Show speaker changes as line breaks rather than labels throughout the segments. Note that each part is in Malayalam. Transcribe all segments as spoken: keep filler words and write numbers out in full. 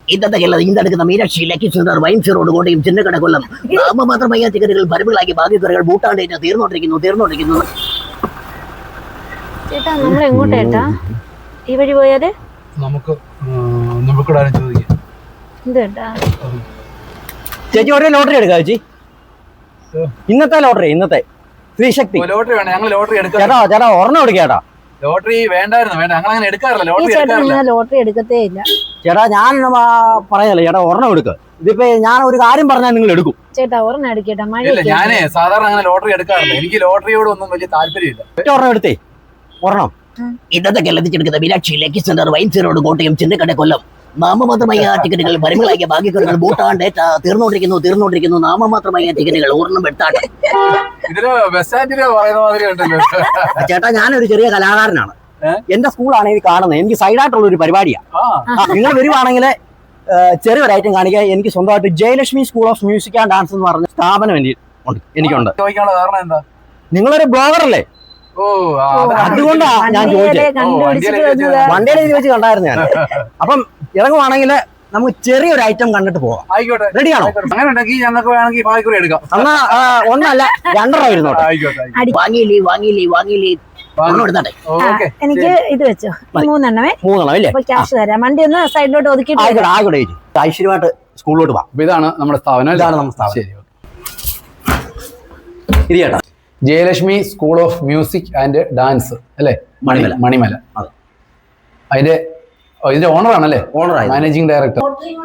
ഇന്നത്തെ കേരളം ഇന്നെടുക്കുന്ന Meenakshi lucky Sundar wines road Kottayam Chinnakada Kollam നാമമാത്രമായ ടിക്കറ്റുകൾ പരമ്പുകളാക്കി ഭാഗ്യക്കുറകൾ ബൂട്ടാണ്ടേറ്റ് തീർന്നോണ്ടിരിക്കുന്നു തീർന്നോണ്ടിരിക്കുന്നു
ചേട്ടാ നമ്മൾ എങ്ങോട്ടേട്ടാ ഈ വഴി പോയാല്
നമുക്ക് ചോദിക്കാം
ചേച്ചി ഒരു ലോട്ടറി എടുക്കാം ചേച്ചി. ഇന്നത്തെ ലോട്ടറി ഇന്നത്തെ ശ്രീശക്തി
ലോട്ടറി വേണ്ട, ഞങ്ങൾ ലോട്ടറി എടുക്കാം.
ചേട്ടാ ചേട്ടാ ഒരെണ്ണം എടുക്കേട്ടാ.
ലോട്ടറി വേണ്ടായിരുന്നു, വേണ്ട, ഞങ്ങൾ അങ്ങനെ എടുക്കാറില്ല. ലോട്ടറി എടുക്കാറില്ല.
ലോട്ടറി എടുക്കത്തേ ഇല്ല
ചേട്ടാ. ഞാൻ പറയല്ലേ ചേട്ടാ, ഒരെണ്ണം എടുക്കുക. ഇതിപ്പോ ഞാൻ ഒരു കാര്യം പറഞ്ഞാൽ നിങ്ങൾ എടുക്കും.
ചേട്ടാ ഒരെണ്ണം എടുക്കേട്ടാ.
ഇല്ല, ഞാനേ സാധാരണ അങ്ങനെ ലോട്ടറി എടുക്കാറില്ല. എനിക്ക് ലോട്ടറിയോട് ഒന്നും വലിയ താല്പര്യമില്ല.
ഒരെണ്ണം എടുത്തേ, ഒരെണ്ണം.
ഇന്നത്തെ കേരളത്തിലെടുക്കുന്ന Meenakshi lucky Sundar wines road Kottayam Chinnakada Kollam നാമമാത്രമായ ടിക്കറ്റുകൾ പരമ്പുകളാക്കിയ ഭാഗ്യക്കുറകൾ ബൂട്ടാണ്ടേറ്റ് തീർന്നോണ്ടിരിക്കുന്നു തീർന്നോണ്ടിരിക്കുന്നു നാമമാത്രമായ ടിക്കറ്റുകൾ ഒരെണ്ണം എടുത്താട്ടെ.
ഇതില് ബസ് സ്റ്റാൻഡില് പറയുന്ന മാതിരി ഉണ്ടല്ലോ.
ചേട്ടാ ഞാനൊരു ചെറിയ കലാകാരനാണ്. എന്റെ സ്കൂളാണ് ഇത് കാണുന്നത്. എനിക്ക് സൈഡായിട്ടുള്ള ഒരു പരിപാടിയാണ്. നിങ്ങൾ വരുവാണെങ്കിൽ ചെറിയൊരു ഐറ്റം കാണിക്കുക. എനിക്ക് സ്വന്തമായിട്ട് Jayalakshmi school of music and dance എന്ന് പറഞ്ഞ സ്ഥാപനം ഉണ്ട്, എനിക്കുണ്ട്.
ചോദിക്കാനുള്ള കാരണം എന്താ?
നിങ്ങളൊരു ബ്ലോഗർ അല്ലേ? അതുകൊണ്ടാ ഞാൻ ചോദിച്ചത്. വണ്ടിയുടെ ഇത് വെച്ച് കണ്ടായിരുന്നു ഞാൻ. അപ്പം ഇറങ്ങുവാണെങ്കിൽ നമുക്ക് ചെറിയൊരു ഐറ്റം കണ്ടിട്ട് പോവാം.
ആയിക്കോട്ടെ,
റെഡിയാണോ?
അങ്ങനെ ഉണ്ടെങ്കിൽ ഞങ്ങൾക്ക് വേണമെങ്കിൽ ഭാഗ്യക്കുറി എടുക്കാം.
എന്നാ ഒന്നല്ല രണ്ടെണ്ണം ഇരുന്നോട്ടെ.
വാങ്ങിയില്ലേ വാങ്ങിയില്ലേ വാങ്ങിയില്ലേ എടുത്താട്ടെ.
എനിക്ക് ഇത് വെച്ചോ, മൂന്നെണ്ണമേ.
മൂന്നെണ്ണം അല്ലേ?
ക്യാഷ് തരാം. വണ്ടി ഒന്ന് സൈഡിലോട്ട് ഒതുക്കിയിട്ട്
ആയിക്കോട്ടെ ആയിക്കോട്ടെ ചേച്ചി. ഐശ്വര്യമായിട്ട് സ്കൂളിലോട്ട് പോവാം.
ഇതാണ് നമ്മുടെ സ്ഥാപനം.
ഇതാണ് നമ്മുടെ സ്ഥാപനം.
ശരി,
ഇത് ചേട്ടാ
Jayalakshmi school of music and dance അല്ലേ?
മണിമല.
മണിമല.
അതെ.
അതിന്റെ ഇതിന്റെ ഓണറാണല്ലേ?
ഓണറായി
മാനേജിംഗ് ഡയറക്ടർ.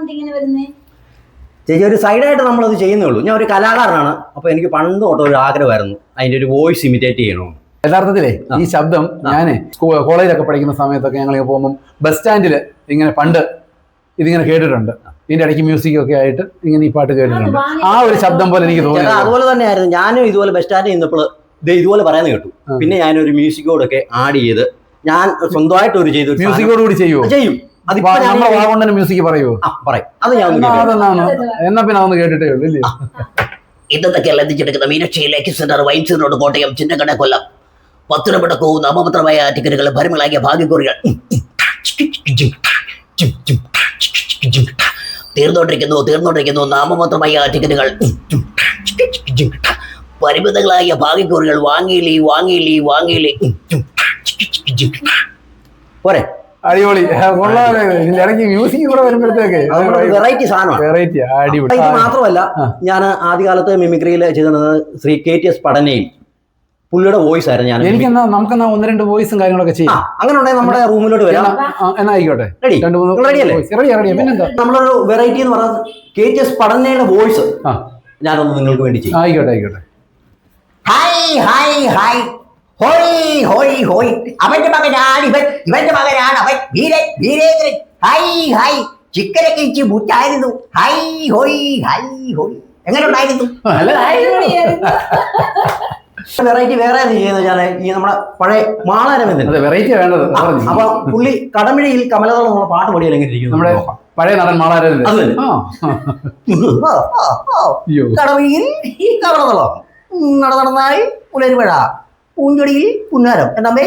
ചേച്ചി ഒരു സൈഡായിട്ട് നമ്മളത് ചെയ്യുന്നേ ഉള്ളൂ. ഞാൻ ഒരു കലാകാരനാണ്. അപ്പൊ എനിക്ക് പണ്ട് തൊട്ട് ഒരു ആഗ്രഹമായിരുന്നു അതിന്റെ ഒരു വോയിസ് ഇമിറ്റേറ്റ് ചെയ്യണമെന്ന്.
യഥാർത്ഥത്തിലേ ഈ ശബ്ദം ഞാന് കോളേജിലൊക്കെ പഠിക്കുന്ന സമയത്തൊക്കെ ഞങ്ങൾ പോകുമ്പോൾ ബസ് സ്റ്റാൻഡിൽ ഇങ്ങനെ പണ്ട് ഇതിങ്ങനെ കേട്ടിട്ടുണ്ട്. ഇതിന്റെ ഇടയ്ക്ക് മ്യൂസിക് ഒക്കെ ആയിട്ട് ഇങ്ങനെ ഈ പാട്ട് കേട്ടിട്ടുണ്ട്. ആ ഒരു ശബ്ദം പോലെ എനിക്ക് തോന്നി.
അതുപോലെ തന്നെയായിരുന്നു ഞാനും. ഇതുപോലെ ബസ് സ്റ്റാൻഡിൽ നിന്നപ്പോൾ ഇതുപോലെ പറയുന്നത് കേട്ടു. പിന്നെ ഞാനൊരു മ്യൂസിക്കോടൊക്കെ ആഡ് ചെയ്ത് ഞാൻ സ്വന്തമായിട്ട് ഒരു ചെയ്തു.
മ്യൂസിക്കോട് കൂടി ചെയ്യുമോ?
ചെയ്യും.
നമ്മുടെ വാഗോണ്ടനെ മ്യൂസിക് പറയുമോ?
പറയും. അത് ഞാൻ
എന്നാ പിന്നെ അതൊന്ന് കേട്ടിട്ടേ ഉള്ളൂ ഇല്ലേ?
ഇന്നത്തെ കേരളത്തിലെടുക്കുന്ന Meenakshi lucky Sundar wines road Kottayam Chinnakada Kollam പത്തുരപ്പടക്കവും നാമമാത്രമായ ടിക്കറ്റുകൾ പരമ്പുകളാക്കിയ ഭാഗ്യക്കുറികൾ തീർന്നോണ്ടിരിക്കുന്നു തീർന്നോണ്ടിരിക്കുന്നു നാമമാത്രമായ ടിക്കറ്റുകൾ പരിമിതങ്ങളായ ഭാഗ്യക്കുറികൾ വാങ്ങിയില്ലേ വാങ്ങിയില്ലേ വാങ്ങിയില്ലേ
പോരെ.
അടിപൊളി. ഇടയ്ക്ക് മ്യൂസിക് കൂടെ വരുമ്പോഴത്തേക്ക്
വെറൈറ്റി സാധനമാണ്.
വെറൈറ്റി അടിപൊളി.
ഇത് മാത്രമല്ല, ഞാൻ ആദ്യകാലത്ത് മിമിക്രിയിൽ ചെയ്തിരുന്നത് ശ്രീ കെ ടി എസ് പഠനയിൽ പുള്ളിയുടെ വോയിസ് ആയിരുന്നു. ഞാൻ
എനിക്കെന്നാ നമുക്കെന്നാ ഒന്ന് രണ്ട് വോയിസും കാര്യങ്ങളൊക്കെ ചെയ്യാം.
അങ്ങനെ ഉണ്ടെങ്കിൽ നമ്മുടെ റൂമിലോട്ട് വരാം.
എന്നാ ആയിക്കോട്ടെ.
രണ്ട് മൂന്ന് റെഡിയല്ലേ?
പിന്നെന്താ
നമ്മളൊരു വെറൈറ്റി എന്ന് പറയുന്നത് കെ ടി എസ് പഠനയുടെ വോയിസ് ഞാനൊന്ന് നിങ്ങൾക്ക് വേണ്ടി ചെയ്യും.
ആയിക്കോട്ടെ ആയിക്കോട്ടെ.
ഹായ് ഹായ് ഹായ് ഹോയ് ഹോയ് ഹോയ് അവന്റെ മകനാണ് ഇവൻ ഇവന്റെ മകനാണ് അവൻ വീരൻ വീരേന്ദ്രൻ. ഹായ് ഹായ് ചിക്കനൊക്കെ ഇച്ചി മുറ്റായിരുന്നു. ഹായ് ഹോയ് ഹായ് ഹോയ് എങ്ങനെ ഉണ്ടായിരുന്നു?
വെറൈറ്റി വേറെ ചെയ്യുന്നത് ഞാൻ ഈ നമ്മുടെ പഴയ മാളാരവിന്ദൻ.
വെറൈറ്റി വേണ്ടത്.
അപ്പൊ പുള്ളി കടമിഴയിൽ കമലതളം എന്നുള്ള പാട്ട് പാടിയാൽ എങ്ങനെ ഇരിക്കും?
നമ്മുടെ പഴയ നടൻ മാളാരവിന്ദൻ.
കടമിഴിയിൽ കമലതളം നടന്നായി പുലരുമഴ പൂഞ്ചൊടിയിൽ പുന്നാരം എന്നമ്മേ.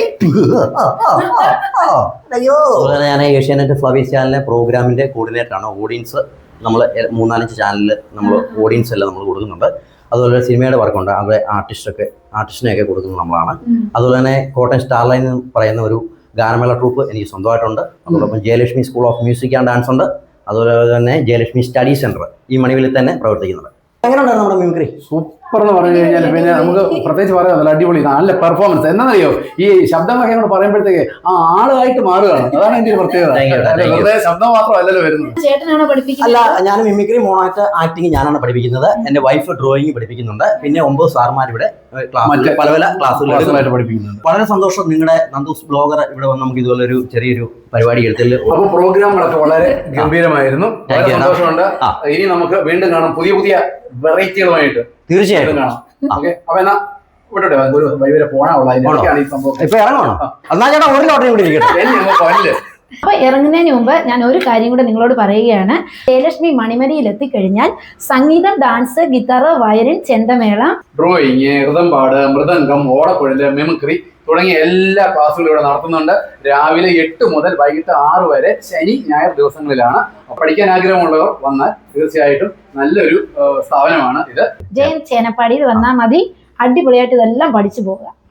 ഞാൻ ഏഷ്യാനെറ്റ് ഫ്ലവേഴ്സ് ചാനലിലെ പ്രോഗ്രാമിന്റെ കോർഡിനേറ്റർ ആണ്. ഓഡിയൻസ് നമ്മൾ മൂന്നാലഞ്ച് ചാനലിൽ നമ്മൾ ഓഡിയൻസ് എല്ലാം നമ്മൾ കൊടുക്കുന്നുണ്ട്. അതുപോലെ സിനിമയുടെ വർക്കുണ്ട്. അവിടെ ആർട്ടിസ്റ്റൊക്കെ ആർട്ടിസ്റ്റിനെയൊക്കെ കൊടുക്കുന്നത് നമ്മളാണ്. അതുപോലെ തന്നെ കോട്ടയം സ്റ്റാർലൈൻ എന്ന് പറയുന്ന ഒരു ഗാനമേള ട്രൂപ്പ് എനിക്ക് സ്വന്തമായിട്ടുണ്ട്. അതോടൊപ്പം Jayalakshmi school of music and dance ഉണ്ട്. അതുപോലെ തന്നെ ജയലക്ഷ്മി സ്റ്റഡി സെന്റർ ഈ മണിവിൽ തന്നെ പ്രവർത്തിക്കുന്നുണ്ട്. എങ്ങനെയുണ്ടായിരുന്നു നമ്മുടെ മിമിക്രി?
സൂപ്പർ എന്ന് പറഞ്ഞു കഴിഞ്ഞാൽ പിന്നെ നമുക്ക് പ്രത്യേകിച്ച് പറയാൻ അടിപൊളി നല്ല പെർഫോമൻസ്. എന്താണെന്നറിയോ, ഈ ശബ്ദങ്ങളൊക്കെ നമ്മൾ പറയുമ്പോഴത്തേക്ക് ആ ആളായിട്ട് മാറുകയാണ്. അതാണ് എൻ്റെ ഒരു പ്രത്യേകത. വെറുതെ ശബ്ദം മാത്രമല്ലല്ലോ വരുന്നത്.
അല്ല, ഞാൻ മിമിക്രി മോണാക്ട് ആക്ടിങ് ഞാനാണ് പഠിപ്പിക്കുന്നത്. എന്റെ വൈഫ് ഡ്രോയിങ് പഠിപ്പിക്കുന്നുണ്ട്. പിന്നെ ഒമ്പത് സാർമാർ ഇവിടെ പല പല ക്ലാസ്സുകളായിട്ട് പഠിപ്പിക്കുന്നുണ്ട്. വളരെ സന്തോഷം. നിങ്ങളുടെ നന്ദൂസ് ബ്ലോഗർ ഇവിടെ വന്ന് നമുക്ക് ഇതുപോലെ ഒരു ചെറിയൊരു പരിപാടി എടുത്തിൽ.
അപ്പോൾ പ്രോഗ്രാമുകളൊക്കെ വളരെ ഗംഭീരമായിരുന്നു. സന്തോഷമുണ്ട്. ഇനി നമുക്ക് വീണ്ടും കാണാം പുതിയ പുതിയ വെറൈറ്റികളുമായിട്ട്.
തീർച്ചയായിട്ടും
കാണാം. ഓക്കെ, അപ്പൊ എന്നാ വിട്ടോട്ടെ, ഒരു വഴി വരെ പോകാനുള്ള ഈ സംഭവം.
ഇപ്പൊ ഇറങ്ങണോ? എന്നാ ചേട്ടാ ഒരു ലോട്ടറി കൂടി ഇരിക്കട്ടെ.
അപ്പൊ ഇറങ്ങുന്നതിന് മുമ്പ് ഞാൻ ഒരു കാര്യം കൂടെ നിങ്ങളോട് പറയുകയാണ്. ജയലക്ഷ്മി മണിമലയിൽ എത്തിക്കഴിഞ്ഞാൽ സംഗീതം, ഡാൻസ്, ഗിറ്റാർ, വയലിൻ, ചെണ്ടമേള,
ഡ്രോയിങ്, ഋതംപാട്, മൃദംഗം, ഓടക്കുഴല്, മിമിക്രി തുടങ്ങിയ എല്ലാ ക്ലാസ്സുകളും ഇവിടെ നടത്തുന്നുണ്ട്. രാവിലെ എട്ട് മുതൽ വൈകിട്ട് ആറ് വരെ ശനി ഞായർ ദിവസങ്ങളിലാണ്. പഠിക്കാൻ ആഗ്രഹമുള്ളവർ വന്നാൽ തീർച്ചയായിട്ടും നല്ലൊരു സ്ഥാപനമാണ് ഇത്.
ജയൻ ചേനപ്പാടിയിൽ വന്നാൽ മതി, അടിപൊളിയായിട്ട് ഇതെല്ലാം പഠിച്ചു പോവുക.